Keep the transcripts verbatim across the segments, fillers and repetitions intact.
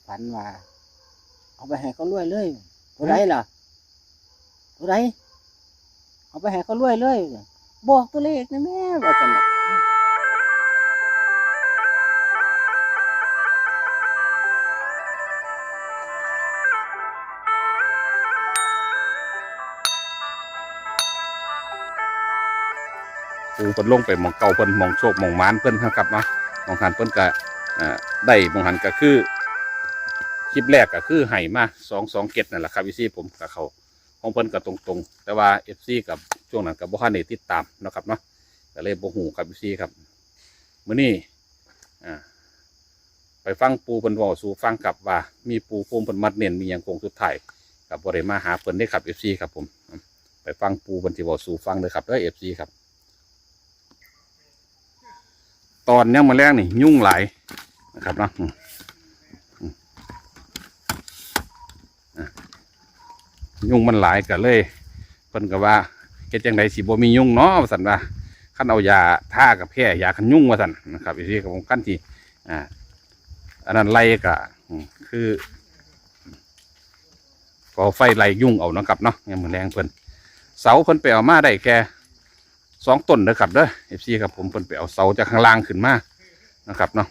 ฝันว่าเอาไปให้เขารวยเลยตัวไรล่ะตัวไรเอาไปให้เขารวยเลยบอกตัวเลขนะแม่ว่าจังปูเพิ่นลงไปหมองเก่าเพิ่นหมองโชคหมองมานเพิ่นครับเนาะหมองหันเพิ่นก็ได้หมองหันก็คือคลิปแรกก็คือไห่มาสองสองเก็ดนั่นแหละครับพี่ซีผมกับเขาของเพิ่นก็ตรงๆแต่ว่าเอฟซีกับช่วงนั้นกับบ่ทันได้ติดตามนะครับเนาะก็เลยบ่ฮู้ครับพี่ซีครับมื้อนี้อ่าไปฟังปูเพิ่นเว้าสู่ฟังกับว่ามีปูภูมิเพิ่นมัดเน้นมีหยังคงสุดท้ายกับบ่ได้มาหาเพิ่นได้ครับ เอฟ ซี ครับผมไปฟังปูเพิ่นสิเว้าสู่ฟังเลยครับเด้อ เอฟ ซี ครับตอนยังมาแรกนี่ยุ่งหลายนะครับเนาะยุ่งมันหลายกันเลยเพิ่นก็ว่าเฮ็ดจังไดสิบ่มียุ่งเนาะว่าซั่นว่าคันเอายาท่ากับแพ้ยาคันยุ่งว่าซั่นนะครับอีซี่กับผมคันที่อ่าอันนั้นไล่ก็คือก็ไฟไล่ยุ่งเอาเนาะครับเนาะยังมือแรงเพิ่นเสาเพิ่นไปเอามาได้แค่สองต้นนะครับเด้อ เอฟ ซี ครับผมเพิ่นไปเอาเสาจากข้างล่างขึ้นมานะครับเนาะ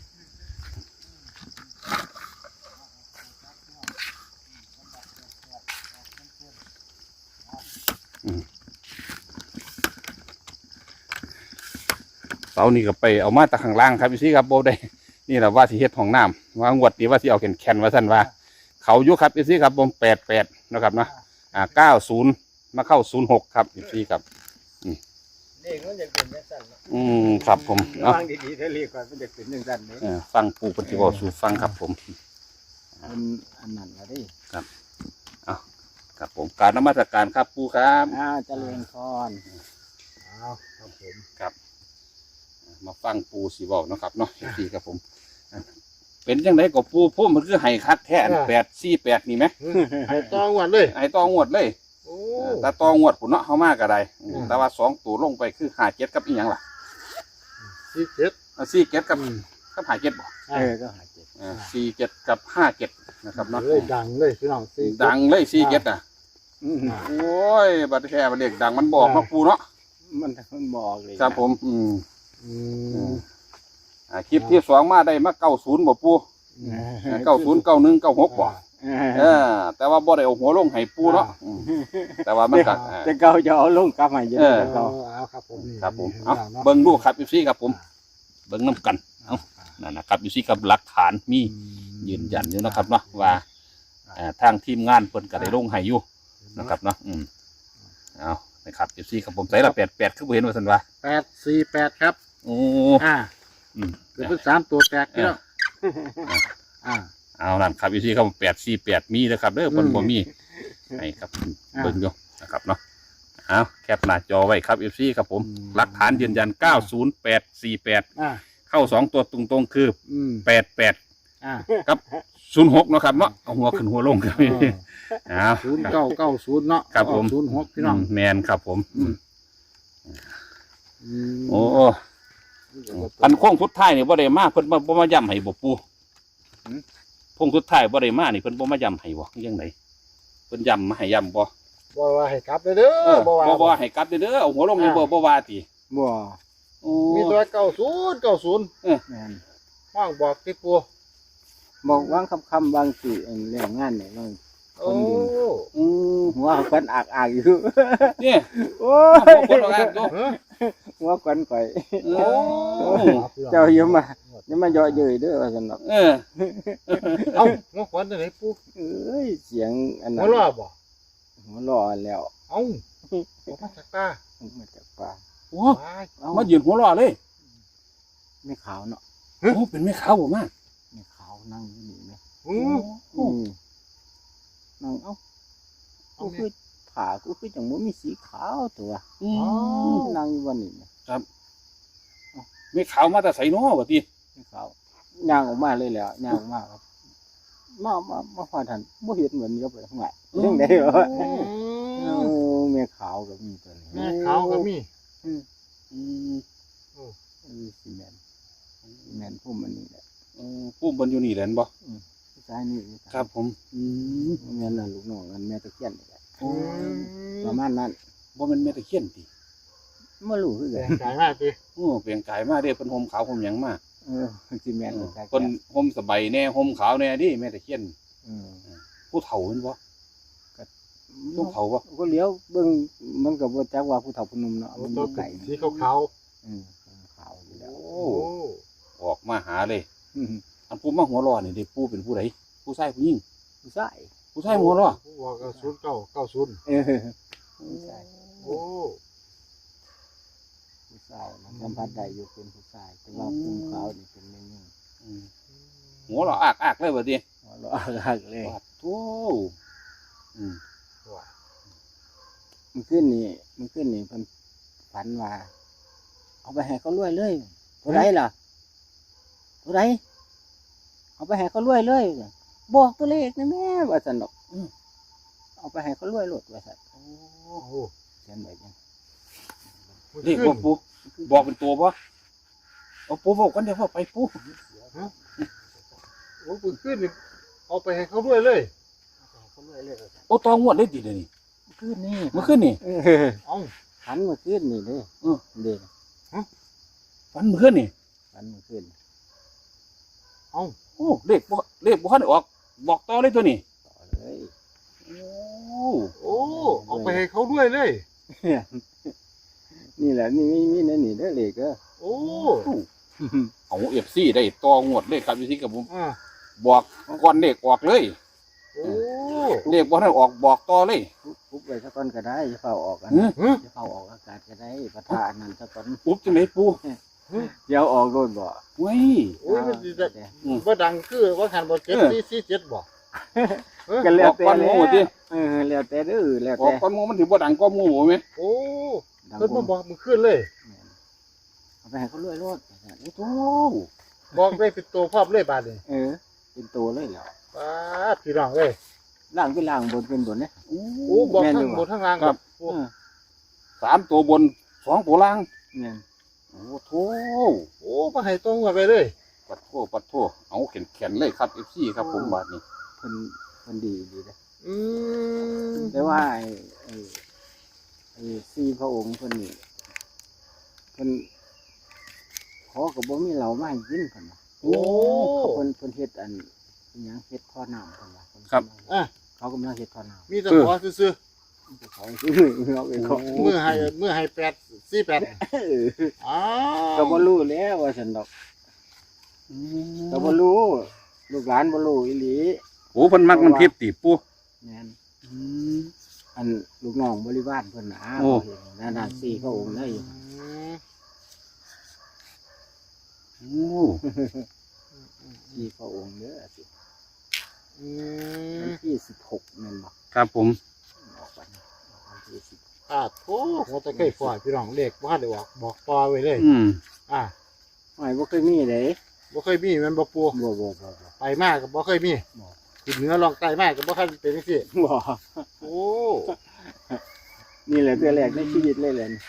เสานี่ก็ไปเอามาจากข้างล่างครับพี่ซีครับโบได้นี่แหละว่าสิเฮ็ดห้องน้ำว่างวดนี้ว่าสิเอาแขนแขนว่าท่านว่าเขายุครับพี่ซีครับผมแปดแปดนะครับเนาะอ่าเก้าศูนย์มาเข้าศูนย์หกครับพี่ซีครับเลขมันจะเป็นยังสั้นอืมครับผมฟังดีๆถ้าเลขก่อนมันจะเป็นยังสั้นเลยฟังปูปฏิบัติสู่ฟังครับผมอันอันนั้นละดิครับเอาครับผมการนมัสการครับปูครับอ้าวเจริญพรอ้าวครับผมครับมาฟังปูสีบอกนะครับเนาะสีครับผมเป็นยังไงกับปูพุ่มมันคือไห้คัดแท้แปดสี่แปดนี่ไหมไห้ตองวดเลยไห้ตองวดเลยแต่ตองวดผุนเนาะเขามากกระไดแต่ว่าสองตัวลงไปคือหาเจ็ดกับอีหยังล่ะสี่เจ็ดสี่เจ็ดกับกับหาเจ็ดบ่เออก็หาเจ็ดสี่เจ็ดกับห้าเจ็ดนะครับเนาะเลยดังเลยพี่น้องดังเลยสี่เจ็ดอ่ะโอ้ยบัดแค่บัดเด็กดังมันบอกมาปูเนาะมันมันบอกเลยครับผมอืมอ่าคลิปที่สองมาได้มาเก้าศูนย์บ่ปูเก้าศูนย์เก้าหนึ่งเก้าหกบ่เออแต่ว่าบ่ได้เอาหัวลงให้ปูเนาะแต่ว่ามันก็จะเก้าจะเอาลงกลับมาเยอะเก้าเอาครับผมครับผมเอาเบิ่งดูครับพี่ซี่ครับผมเบิ่งน้ำกันเอานั่นนะครับพี่ซี่กับหลักฐานมียืนยันอยู่นะครับเนาะว่าทางทีมงานเพิ่นก็ได้ลงให้อยู่นะครับเนาะอืมเอานะครับพี่ซี่ครับผมใส่ละแปดแปดคือบ่เห็นว่าซั่นว่าแปดสี่แปดครับโอ้อ่าอืมเป็นสามตัวแตกเนาะอ่าเอานั่นครับพี่ซี่ครับแปดสี่แปดมีนะครับเด้อเพิ่นบ่มีให้ครับเบิ่งอยู่นะครับเนาะเอาแคปหน้าจอไว้ครับ เอฟ ซี ครับผมหลักฐานยืนยันเก้าศูนย์แปดสี่แปดเข้าสองตัวตรงๆคือแปดแปดครับศูนย์หกเนาะครับเนาะเอาหัวขึ้นหัวลงครับศูนย์เก้าเก้าศูนย์เนาะครับผมศูนย์หกพี่น้องแมนครับผมโอ้อันโค้งสุดท้ายนี่บ่ได้มาเพิ่นบ่มาย้ำให้บ่ปูโค้งสุดท้ายบ่ได้มานี่เพิ่นบ่มาย้ำให้บ่ยังไงเพิ่นย้ำมาให้ย้ำบ่บ่ว่าให้กลับเด้อบ่ว่าบ่ว่าให้กลับเด้อเอาหัวลงนี่บ่บ่ว่าติบ่มีตัวเก้าศูนย์เก้าศูนย์เออแม่นห้องบอกติปูบอกวางคำคำบางสิเรื่องงานเนี่ยมันโอ้อือหัวควันอักอักอยู่นี่โอ้ยควันอักอยู่หัวควันข่อยโอ้เจ้าอย่ามาอย่ามาเยาะเย้ยเด้อว่าซั่นเนาะเออเอ้าหัวควันจังได๋ปูเอ้ยเสียงอันนั้นหัวล้อบ่หัวล้อแล้วเอ้ามาจากป่ามาจากป่าโอ้มายืนหัวล้อเลยไม่ขาวเนาะโอ้เป็นไม่ขาวบ่มาไม่ขาวนั่งอยู่นี่แม่อือนั่งเอ้ากูคือผ่ากูคือจังบ่มีสีขาวตัวอือนั่งอยู่วันนี้ครับไม่ขาวมาแต่ใส่น้อบ่ติไม่ขาวย่างออกมาเลยแล้วย่างออกมาครับมามามาพอทันบ่เห็นเหมือนกับข้างหลังจังได๋เหรอโอ้แม่ขาวก็มีตัวนี้แม่ขาวก็มีอืออือโอ้สิแม่นแม่นพุ่มอันนี้แหละเออพุ่มเพิ่นอยู่นี่แหละบ่อือสสายนี่ครับผมอืมแม่นน่ะลูกน้องกันแม่ตะเคียนนี่แหละโอ้ประมาณนั้นบ่แม่นแม่ตะเคียนติบ่รู้คือแรกันงกายมากจีโอ้เปลี่ยนกายมาเด้เพิ่นห่มขาวห่มหยังมาเออสิแม่นบ่เพิ่นห่มสบายแน่ห่มขาวแน่ดิแม่ตะเคียนอืมผู้เฒ่าแม่นบ่ผู้เฒ่าบ่ก็เลี้ยวเบิ่งมันก็บ่จักว่าผู้เฒ่าผู้หนุ่มเนาะโอ้มันตัวบ่ไกลสีขาวอืมขาวอยู่แล้วโอ้ๆโอ้ออกมาหาเลยอืมอันผู้มาหัวร้อนนี่ดิปู่เป็นผู้ใดผู้ชายผู้หญิงผู้ชายผู้ชายหัวร้อนผู้บอกศูนย์เก้าเก้าศูนย์เออผู้ชายโอ้ผู้ชายมันสัมผัสได้อยู่เป็นผู้ชายแต่ว่าภูมิขาวนี่เป็นแม่ยิ่งอืมหัวร้อนอากอากเลยบัดนี้หัวเราะหักเลยปาดโธอืมว่ามันขึ้นนี่มันขึ้นนี่เพิ่นฝันว่าเอาไปให้เขารวยเลยเท่าไรล่ะเท่าไรเอาไปให้เขารวยเลยบอกตัวเลขนะแม่ว่าซั่นดอกอืมเอาไปให้เขารวยโลดว่าซั่นโอ้โหเขียนไว้จังเรียกว่าปู่บอกเป็นตัวบ่เอาปู่บอกกันเดี๋ยวว่าไปปู่โอ้ปืนขึ้นนี่เอาไปให้เขาด้วยเลยเขารวยเลยว่าซั่นโอ้ตองวดได้ดิเดี๋ยวนี้ขึ้นนี่เมื่อคืนนี่เออเอ้าฝันเมื่อคืนนี่เด้เออเด้ฝันเมื่อคืนนี่ฝันเมื่อคืนเอ้าโอ้เลขบ่เลขบ่ทันได้ออกบอกต่อเลยตัวนี้ต่อเลยโอ้โอ้เอาไปให้เขาด้วยเลยนี่แหละนี่มีมีนั่นนี่เด้อเลขเด้อโอ้เอา เอฟ ซี ได้ต่องวดเลขครับอยู่ที่กับผมอ่าบอกก่อนเลขออกเลยโอ้เลขบ่ทันออกบอกต่อเลยปุ๊บปุ๊บไปสักก้อนก็ได้จะเฝ้าออกกันเฮ้ยฮะจะเฝ้าออกอากาศก็ได้ประทานนั่นสักก้อนปุ๊บจังได๋ปู่เดี๋ยวออกโดนบ่เว้ยโอ้ยมันจะเด้ออืมว่าดังคือว่าหันบ่เจ็ดเออสี่สี่เจ็ดบ่เออก็แล้วแต่ออกก่อนหมู่ติเออแล้วแต่เด้อแล้วออแต่กก่อนหมู่มันสิบ่ดังกว่าหมู่บ่แม่นโอ้ดังเพิ่นผมาม บอกมึงขึ้นเลยเอาไปให้เขารวยรถโอ้โธบอกได้เป็นตัวพร้อมเลยบาดนี้เออ เป็นตัวเลยเหรอป้าดพี่น้องเอ้ยล่างเป็นล่างบนเป็นบนเนี่ยโอ้โอ้บอกแม่นทั้อยู่งบ่บนทั้งล่างครับโอ้เออสามตัวบนสองตัวล่างเนี่ยโอ้โธโอ้มาให้ตรงกันไปเลยปัดโทปัดโทเอาแข็งๆเลยครับ เอฟ ซี ครับผมบาดนี้เพิ่นเพิ่นดีดีนะอืมแต่ว่าไอ้ไอ้ไอ้สี่พระองค์เพิ่นนี่เพิ่นขอกับบ่มีเหล้ามาให้กินเพิ่นน่ะโอ้เขาเพิ่นเพิ่นเฮ็ดอันอิหยังเฮ็ดท่อน้ำเพิ่นว่าเพิ่นครับอ่ะเขากำลังเฮ็ดท่อน้มีแต่ขอซื่อำเขาซื้อเอาไปเขาๆมือให้มือให้แปดสี่แปดเอออ้าวก็บ่รู้แล้วว่าซั่นดอกก็บ่รู้ลูกหลานบ่รู้อีหลีโอ้เพิ่นมักน้ำทิพย์ติปู่แม่นอันลูกน้องบริวารเพิ่นน่ะโอ้เขาเห็นนั่นน่ะสี่พระองค์เลยอืมโอ้สี่พระองค์เด้อสิอืวัมนที่สิบหกแม่นบ่ครับผมออกวันวันที่สิบอ่าโถหัวตะไคร้ฝอยพี่น้องเลขว่าได้บอกบอกต่อไว้เลยอืมอ่าไม่บ่เคยมีเด้บ่เคยมีแมันบ่ปูบ่บ่บ่บ่ไปมากก็บ่เคยมีบ่ขึ้นเหนือลองใต้มากก็บ่เคยเป็นจังซี่บ่โอ้นี่แหละตัวแรกในชีวิตเลยแหละนี่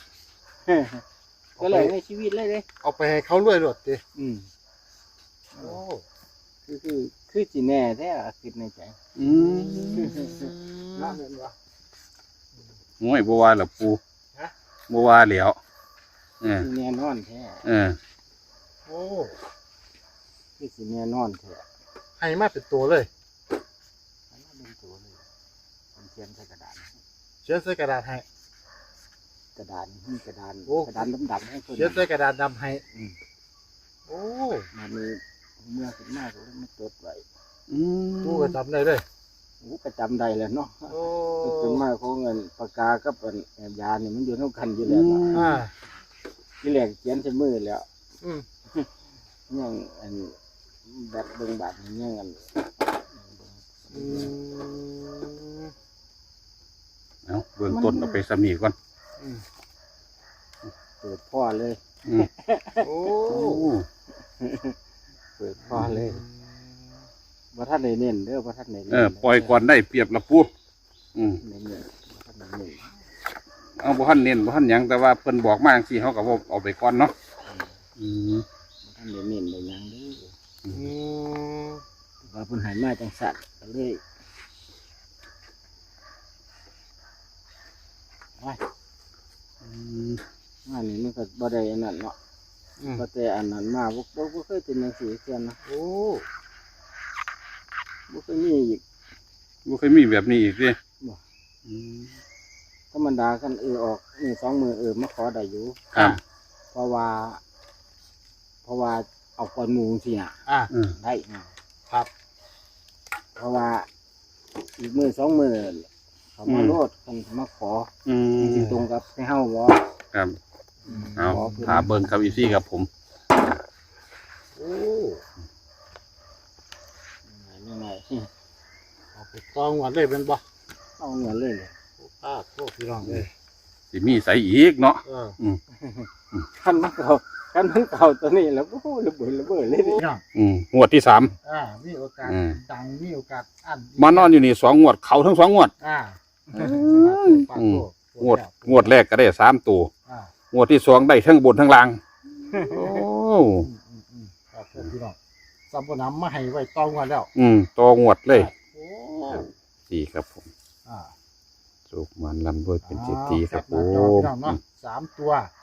ตัวแรกในชีวิตเลยเด้เอาไปให้เขารวยรถติอืมโอ้คือคือคือสิแน่แท้อะคิดในใจอืมน่าเห็นบ่โอ้ยบ่ว่าล่ะปู่ฮะบ่ว่าแล้วเออสิแน่นอนแท้เออโอ้คือสิแน่นอนแท้ให้มาเป็นตัวเลยอันนั้นเป็นตัวเลยผมเขียนใส่กระดานเขียนใส่กระดาษให้กระดานนี่กระดานโอ้กระดานดำๆให้เพิ่นเขียนใส่กระดาษดำให้อืมโอ้มันมีเมื่อขึ้นมาก็เลยมาจดไว้อืมปูก็จำได้เลยโอ้ก็จำได้แหล้วเนาะโอ้ขึ้นมาของเงินปากกากับอันแอบยานี่มันอยู่เท่ากันอยู่แล้วเนาะอ่าที่แรกเขียนใส่มือแล้วอืมยังอันแบบเบิ่งบาดนี่ยังอันอืมเอาเบื้องต้นเอาไปสำนีก่อนอืมเปิดพ่อเลยอืมโอ้โอ้เปิดพ่อเลยว่าท่านได้เน้นเด้อว่าท่านได้เอเน้นอปล่อยก่อนได้เปรียบละปู่อืมเน้นเน้นบ่ท่านได้เน้นเอาบ่ทันเน้นบ่ทันหยังแต่ว่าเพิ่นบอกมาจังซี่เฮาก็บ่เอาไปก่อนเนาะอืมบ่ท่านได้เน้นได้หยังเด้ออืมว่าเพิ่นใหายมาจังสัตว์ก็เลยว้ายอืมอันนี้มันก็บ่ได้อันนั้นเนาะอืมก็แต่อันนั้นมาบ่บ่บ่เคยเป็นจังซี่เทื่อนะโอ้บ่เคยมีอีกบ่เคยมีแบบนี้อีกเด้บ่อืมธรรมดากันเออออกนี่สองมือเออมาขอได้อยู่ครับเพราะว่า เพราะว่าเอาก่อนหมู่จังซี่น่ะอ่ะอืมได้นะครับเพราะว่าอีกมือสองมือเขามาโลดกันเขามาขออืมสิตรงกับให้เฮาบ่ครับเอาขอเพิ่นหาเบิ่งครับอีซี่ครับผมโอ้ยังไงเอาไปกองวันเลยเป็นบ่เอาเงินเลยเลยป้าโทษพี่น้องเลยสิมีใสอีกเนาะเออคันมันเก่าคันมันเก่าตัวนี้แล้วโอ้โหระเบิดระเบิดเลยพี่น้องอืมงวดที่สามอ่ามีโอกาสอืมดังมีโอกาสอันมานอนอยู่นี่สองงวดเขาทั้งสองงวดอ่าอืป้าม โทษงวดงวดแรกก็ได้สามตัวอ่างวดที่สองได้ทั้งบนทั้งล่าง โอ้อืมอืมอืมครับโทษพี่น้องสัมปนำมาให้ไว้ตองวันแล้วอืมตัวงวดเลยโอ้ดีครับผมอ่าสุกมันลำด้วยเป็นเศรษฐีครับผอ่าแปหน้าจอมพี่น้องเนาะสามตัว